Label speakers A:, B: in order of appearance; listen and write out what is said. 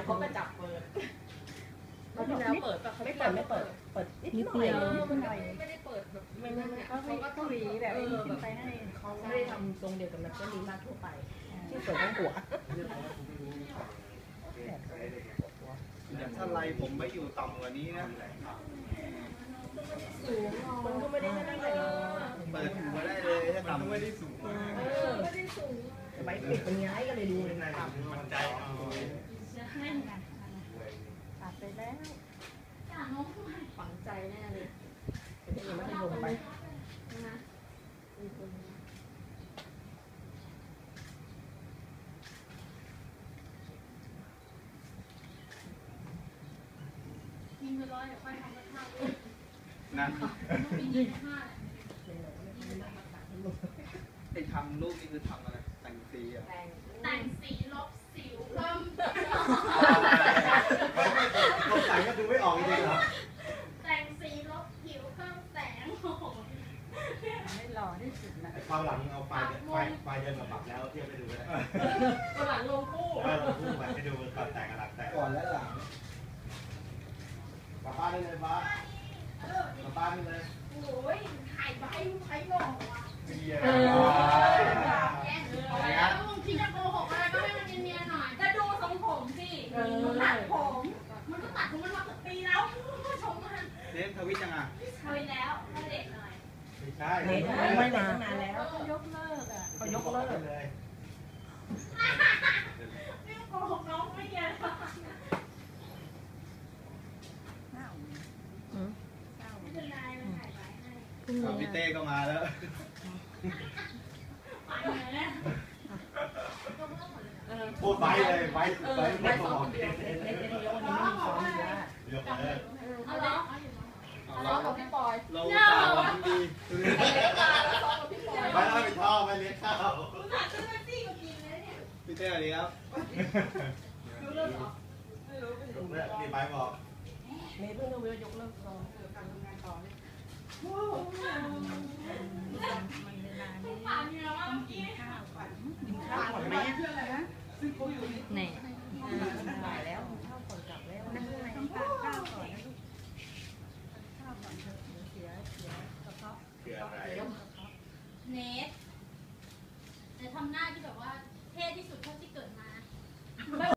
A: เขาก็จับเปิดเขาที่แล้วเปิดแต่เขาไม่เปิดเปิดนิดหน่อยไม่ได้เปิดแบบไม่เขาก็ต้องรีแบบไปให้เขาไม่ได้ทำทรงเดียวกับนักเรียนทั่วไปที่เปิดทั้งหัว
B: ถ้าไรผมไม่อยู่ต่ำกว่านี้นะ
A: สูงมันก็ไม่ได้นั่นเลย
B: เปิดหัวได้เลยถ้าต่ำไม่ได้สูงมาก
A: ไม่ได้สูงใบปิดเป็นย้ายก็เลยดูเลยต่ำ
B: มันใจเอา
A: ตัดไปแล้วฝังใจแน่เลยจะยังไม่ได้ลงไปนะ
C: ยิงไปร้อยค่อยทำกระทะ
B: นะไอ้ทำรูปนี่คือทำอะไรแต่งสีอ่ะ
C: แต่งสีลบสิวเพิ่ม
B: เขาแต่งก็ดูไม่ออกจริงเหรอ
C: แต่งสีลบผิวเพิ่มแสง
A: ไม่หล่อที่สุดนะ
D: ความหลังเอาไฟเดินมาปรับแล้วเทียบไปดูก็ได้
A: หลังลงคู่
D: คู่ไปดูก่อนแต่งกับหลังแต่ง
B: ก่อนและหลัง
D: กลับบ้านได้เลยป้ากลับบ้านได้เลย
C: โอ้ยถ่ายใบใครบอกวะแล้วบางทีจะโกหกอะไรก็ให้มันเนียนๆหน่อยจะดูทรงผมสิตัดผมมันก็ตัดของมันมาเกือบปีแล้วชมมัน
B: เล่นทวิตยังอ่ะ
C: ทวิตแล้วให้เด็กหน่อย
D: ไม่ใช่
A: ไม่ได้ตั้งนานแล้วเขายกเลิกอ่ะเขายกเลิก
D: เลย
C: ไม่โกหกน้องไม่เนียน
B: พี่เต้ก็มาแล้ว
D: พูดไปเลยไป
A: ไม่ซ้อมเดียวในเดียววันนี้ไม่ซ้อมอยู่แล้ว
D: ยกเลย
C: เอาล้อ
A: กับพี่ปอย
B: เราตาวันดี
D: ไม่ต้องไปท่อไม่เลี้ยงข้าว
B: พี่เต้สวัสดีครับ
A: รู้เรื่องเหรอไม่รู้
D: นี่ไปบอก
A: เมย์เพิ่งรู้ยกเลิกซ้อมการทำงานต่อเนี่ยมันเวลานี้ต้องกินข้าวก่อนไหมไหนตายแล้ว